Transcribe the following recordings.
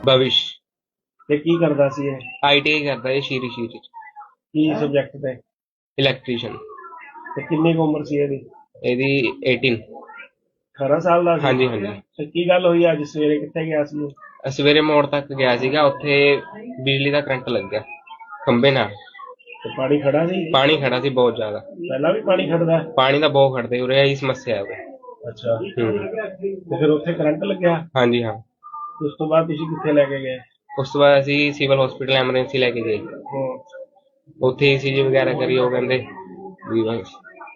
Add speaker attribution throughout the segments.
Speaker 1: भविष
Speaker 2: ਤੇ ਕੀ ਕਰਦਾ ਸੀ ਇਹ?
Speaker 1: ITI करता है शीरी शीरी
Speaker 2: ਕੀ ਸਬਜੈਕਟ ਤੇ?
Speaker 1: इलैक्ट्रीशियन।
Speaker 2: ਤੇ ਕਿੰਨੀ ਕੁ ਉਮਰ ਸੀ ਇਹਦੀ?
Speaker 1: ਇਹਦੀ 18।
Speaker 2: 18 ਸਾਲ ਦਾ ਸੀ?
Speaker 1: ਹਾਂਜੀ ਹਾਂਜੀ।
Speaker 2: ਤੇ ਕੀ ਗੱਲ ਹੋਈ ਅੱਜ ਸਵੇਰੇ, ਕਿੱਥੇ ਗਿਆ ਸੀ ਉਹ?
Speaker 1: ਸਵੇਰੇ ਮੋੜ ਤੱਕ ਗਿਆ ਸੀਗਾ, ਉੱਥੇ ਬਿਜਲੀ ਦਾ ਕਰੰਟ ਲੱਗ ਗਿਆ ਖੰਭੇ ਨਾਲ।
Speaker 2: ਤੇ ਪਾਣੀ ਖੜਾ ਸੀ?
Speaker 1: ਪਾਣੀ ਖੜਾ ਸੀ ਬਹੁਤ ਜ਼ਿਆਦਾ।
Speaker 2: ਪਹਿਲਾਂ ਵੀ ਪਾਣੀ ਖੜਦਾ?
Speaker 1: ਪਾਣੀ ਦਾ ਬਹੁਤ ਖੜਦੇ ਉਰੇ, ਇਹੀ ਸਮੱਸਿਆ ਹੈ ਉਰੇ।
Speaker 2: ਅੱਛਾ। ਤੇ ਫਿਰ ਉੱਥੇ ਕਰੰਟ ਲੱਗਿਆ?
Speaker 1: ਹਾਂਜੀ ਹਾਂ।
Speaker 2: ਉਸ ਤੋਂ ਬਾਅਦ ਤੁਸੀਂ ਕਿੱਥੇ ਲੈ ਕੇ ਗਏ?
Speaker 1: ਉਸ ਤੋਂ ਬਾਅਦ ਅਸੀਂ ਸਿਵਲ ਹਸਪੀਟਲ ਐਮਰਜੈਂਸੀ ਲੈ ਕੇ ਗਏ। ਉੱਥੇ ECG ਵਗੈਰਾ ਕਰੀ, ਉਹ ਕਹਿੰਦੇ ਵੀ ਬਸ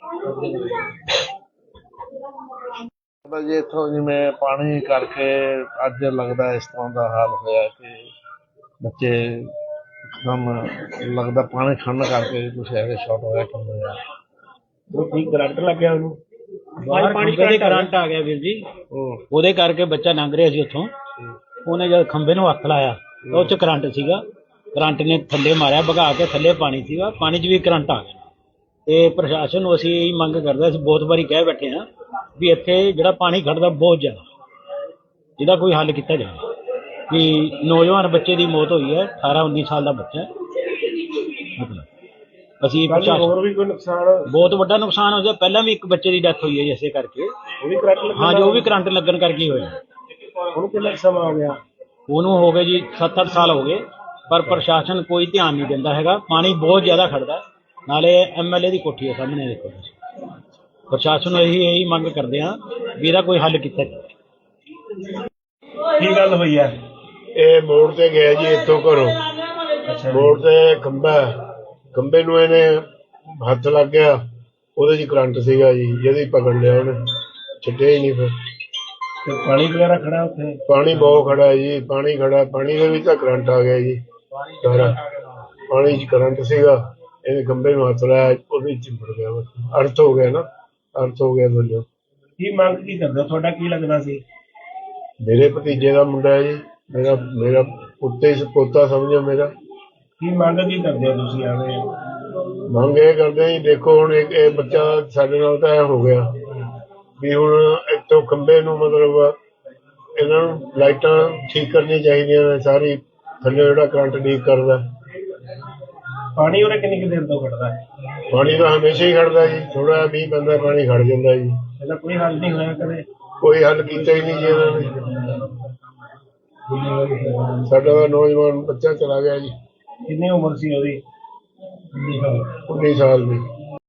Speaker 3: ਜੀ ਇੱਥੋਂ ਜਿਵੇਂ ਪਾਣੀ ਕਰਕੇ ਅੱਜ ਲੱਗਦਾ ਇਸ ਤਰ੍ਹਾਂ ਦਾ ਹਾਲ ਹੋਇਆ ਕਿ ਬੱਚੇ ਇੱਕਦਮ ਲੱਗਦਾ ਪਾਣੀ ਖੜਨ ਕਰਕੇ ਕੁਛ ਐਵੇਂ ਸ਼ਾਰਟ ਹੋਇਆ ਕਿ ਹੋਇਆ।
Speaker 2: ਉਹ ਕੀ ਕਰੰਟ ਲੱਗਿਆ ਉਹਨੂੰ?
Speaker 4: ਬਾਹਰ ਖੰਭੇ ਦੇ ਕਰੰਟ ਆ ਗਿਆ ਵੀਰ ਜੀ, ਉਹਦੇ ਕਰਕੇ ਬੱਚਾ ਲੰਘ ਰਿਹਾ ਸੀ ਉੱਥੋਂ। ਉਹਨੇ ਜਦ ਖੰਭੇ ਨੂੰ ਹੱਥ ਲਾਇਆ ਤਾਂ ਉਹ 'ਚ ਕਰੰਟ ਸੀਗਾ, ਕਰੰਟ ਨੇ ਥੱਲੇ ਮਾਰਿਆ, ਭਗਾ ਕੇ ਥੱਲੇ ਪਾਣੀ ਸੀਗਾ, ਪਾਣੀ 'ਚ ਵੀ ਕਰੰਟ ਆ ਗਿਆ। ਤੇ ਪ੍ਰਸ਼ਾਸਨ ਨੂੰ ਅਸੀਂ ਇਹੀ ਮੰਗ ਕਰਦੇ, ਅਸੀਂ ਬਹੁਤ ਵਾਰੀ ਕਹਿ ਬੈਠੇ ਹਾਂ ਵੀ ਇੱਥੇ ਜਿਹੜਾ ਪਾਣੀ ਖੜਦਾ ਬਹੁਤ ਜ਼ਿਆਦਾ, ਇਹਦਾ ਕੋਈ ਹੱਲ ਕੀਤਾ ਜਾਵੇ। ਵੀ ਨੌਜਵਾਨ ਬੱਚੇ ਦੀ ਮੌਤ ਹੋਈ ਹੈ, 18-19 ਸਾਲ ਦਾ ਬੱਚਾ। ਮਤਲਬ ਅਸੀਂ
Speaker 2: ਹੋਰ ਵੀ ਕੋਈ ਨੁਕਸਾਨ?
Speaker 4: ਬਹੁਤ ਵੱਡਾ ਨੁਕਸਾਨ ਹੋ ਗਿਆ। ਪਹਿਲਾਂ ਵੀ ਇੱਕ ਬੱਚੇ ਦੀ ਡੈਥ ਹੋਈ ਹੈ ਜੀ ਇਸੇ ਕਰਕੇ।
Speaker 2: ਉਹ ਵੀ ਕਰੰਟ ਲੱਗਿਆ?
Speaker 4: ਹਾਂ ਜੀ, ਉਹ ਵੀ ਕਰੰਟ ਲੱਗਣ ਕਰਕੇ ਹੀ ਹੋਇਆ।
Speaker 2: ਉਹਨੂੰ ਕਿੰਨਾ ਸਮਾਂ ਹੋ ਗਿਆ?
Speaker 4: ਉਹਨੂੰ ਹੋ ਗਏ ਜੀ 7-8 ਸਾਲ ਹੋ ਗਏ, ਪਰ ਪ੍ਰਸ਼ਾਸਨ ਕੋਈ ਧਿਆਨ ਨਹੀਂ ਦਿੰਦਾ ਹੈਗਾ। ਪਾਣੀ ਬਹੁਤ ਜ਼ਿਆਦਾ ਖੜਦਾ, ਨਾਲੇ MLA ਦੀ ਕੋਠੀ ਹੈ ਸਾਹਮਣੇ, ਦੇਖੋ ਤੁਸੀਂ। ਪ੍ਰਸ਼ਾਸਨ ਨੂੰ ਇਹੀ ਮੰਗ ਕਰਦੇ ਹਾਂ ਵੀ ਇਹਦਾ ਕੋਈ ਹੱਲ ਕੀਤਾ ਜਾਵੇ।
Speaker 2: ਕੀ ਗੱਲ ਹੋਈ ਹੈ?
Speaker 5: ਇਹ ਮੋੜ ਤੇ ਗਿਆ ਜੀ ਇੱਥੋਂ ਘਰੋਂ। ਮੋੜ ਤੇ ਖੰਭੇ ਨੂੰ ਇਹਨੇ ਹੱਥ ਲੱਗ ਗਿਆ, ਉਹਦੇ 'ਚ ਕਰੰਟ ਸੀਗਾ ਜੀ, ਜਿਹਦੀ ਪਕੜ ਲਿਆ ਉਹਨੇ, ਛੱਡਿਆ ਹੀ ਨਹੀਂ। ਫਿਰ
Speaker 2: ਤੇ ਪਾਣੀ ਵਗੈਰਾ ਖੜਾ ਉੱਥੇ?
Speaker 5: ਪਾਣੀ ਬਹੁਤ ਖੜਾ ਹੈ ਜੀ, ਪਾਣੀ ਖੜਾ, ਪਾਣੀ ਦੇ ਵਿੱਚ ਤਾਂ ਕਰੰਟ ਆ ਗਿਆ ਜੀ ਸਾਰਾ। ਪਾਣੀ 'ਚ ਕਰੰਟ ਸੀਗਾ, ਇਹਨੇ ਖੰਭੇ ਨੂੰ ਹੱਥ ਲਾਇਆ, ਉਹਦੇ 'ਚ ਚਿੰਬੜ ਗਿਆ। ਬਸ ਅਰਥ ਹੋ ਗਿਆ ਨਾ, ਅਰਥ ਹੋ ਗਿਆ ਬੋਲਿਓ।
Speaker 2: ਕੀ ਮੰਗ ਕੀ ਕਰਦੇ? ਤੁਹਾਡਾ ਕੀ ਲੱਗਦਾ ਸੀ?
Speaker 5: ਮੇਰੇ ਭਤੀਜੇ ਦਾ ਮੁੰਡਾ ਹੈ ਜੀ, ਮੇਰਾ ਉੱਤੇ ਪੋਤਾ ਸਮਝੋ ਮੇਰਾ।
Speaker 2: ਕੀ ਮੰਗ ਕੀ ਕਰਦੇ ਹੋ ਤੁਸੀਂ? ਆਵੇ
Speaker 5: ਮੰਗ ਇਹ ਕਰਦੇ ਜੀ, ਦੇਖੋ ਹੁਣ ਇਹ ਬੱਚਾ ਸਾਡੇ ਨਾਲ ਤਾਂ ਇਹ ਹੋ ਗਿਆ ਵੀ ਹੁਣ ਇੱਥੋਂ ਖੰਭੇ ਨੂੰ ਮਤਲਬ ਇਹਨਾਂ ਨੂੰ ਲਾਈਟਾਂ ਠੀਕ ਕਰਨੀਆਂ ਚਾਹੀਦੀਆਂ ਨੇ ਸਾਰੀ, ਥੱਲੇ ਜਿਹੜਾ ਕਰੰਟ ਲੀਕ ਕਰਦਾ।
Speaker 2: ਪਾਣੀ ਉਹਨੇ ਕਿੰਨੀ ਕੁ ਦੇਰ ਤੋਂ ਖੜਦਾ?
Speaker 5: ਪਾਣੀ ਤਾਂ ਹਮੇਸ਼ਾ ਹੀ ਖੜਦਾ ਜੀ, ਥੋੜਾ ਮੀਂਹ ਪੈਂਦਾ ਪਾਣੀ ਖੜ ਜਾਂਦਾ ਜੀ।
Speaker 2: ਇਹਦਾ ਕੋਈ ਹੱਲ ਨਹੀਂ ਹੋਇਆ ਕਦੇ?
Speaker 5: ਕੋਈ ਹੱਲ ਕੀਤਾ ਹੀ ਨਹੀਂ ਜੀ ਇਹਨਾਂ ਨੇ। ਸਾਡਾ ਤਾਂ ਨੌਜਵਾਨ ਬੱਚਾ ਚਲਾ ਗਿਆ ਜੀ।
Speaker 2: ਕਿੰਨੀ ਉਮਰ ਸੀ ਉਹਦੀ?
Speaker 5: 19 ਸਾਲ ਦੀ।